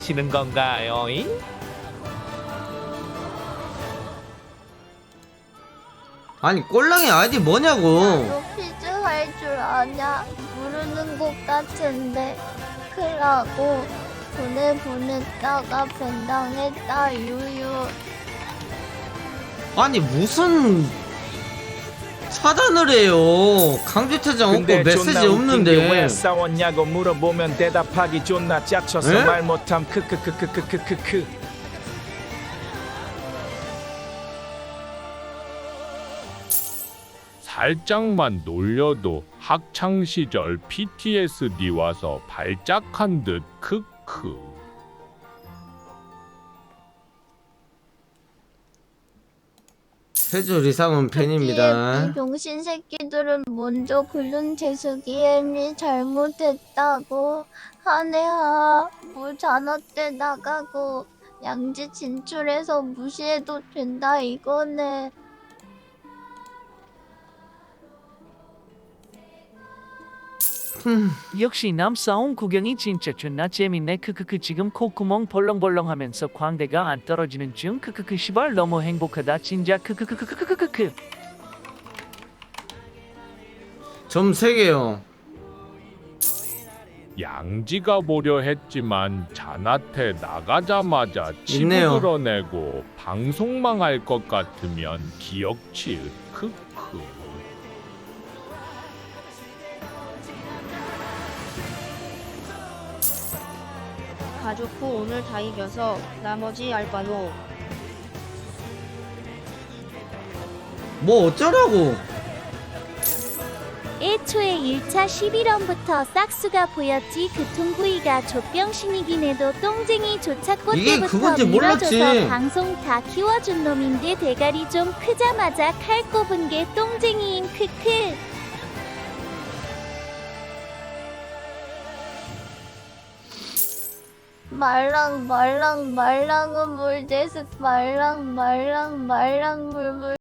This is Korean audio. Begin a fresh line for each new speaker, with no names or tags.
치는 건가요? 잉?
아니 꼴랑이 아이디 뭐냐고.
너 퀴즈 할 줄 아냐? 모르는 것 같은데 크라고 보냈다가 벤당했다 유유.
아니 무슨 차단을 해요. 강제퇴장 없고
근데
메시지
존나 웃긴 게 왜
없는데.
싸웠냐고 물어보면 대답하기 존나 짝쳐서
에?
말 못함 크크크크크크크크.
살짝만 놀려도 학창시절 PTSD 와서 발작한 듯 크크.
세 줄 이상은 팬입니다.
이 병신 새끼들은 먼저 글른 재수기엠이 잘못했다고 하네하. 뭐 잔어 때 나가고 양지 진출해서 무시해도 된다 이거네.
역시 남싸움 구경이 진짜 존나 재밌네. 크크크. 지금 콧구멍 벌렁벌렁하면서 광대가 안 떨어지는 중. 크크크. 시발 너무 행복하다 진짜. 크크크크크크크크.
점 3개요.
양지가 보려 했지만 잔한테 나가자마자 치부
있네요.
드러내고 방송망 할 것 같으면 기억치 크크.
가족 후 오늘 다 이겨서 나머지 알바노.
뭐 어쩌라고.
애초에 1차 11원부터 싹수가 보였지. 그 통구이가 족병신이긴 해도 똥쟁이조차
이게
꽃때부터
그건지 몰랐지.
밀어줘서 방송 다 키워준 놈인데 대가리 좀 크자마자 칼 꼽은 게 똥쟁이인 크크.
말랑은 물대스 말랑 물물.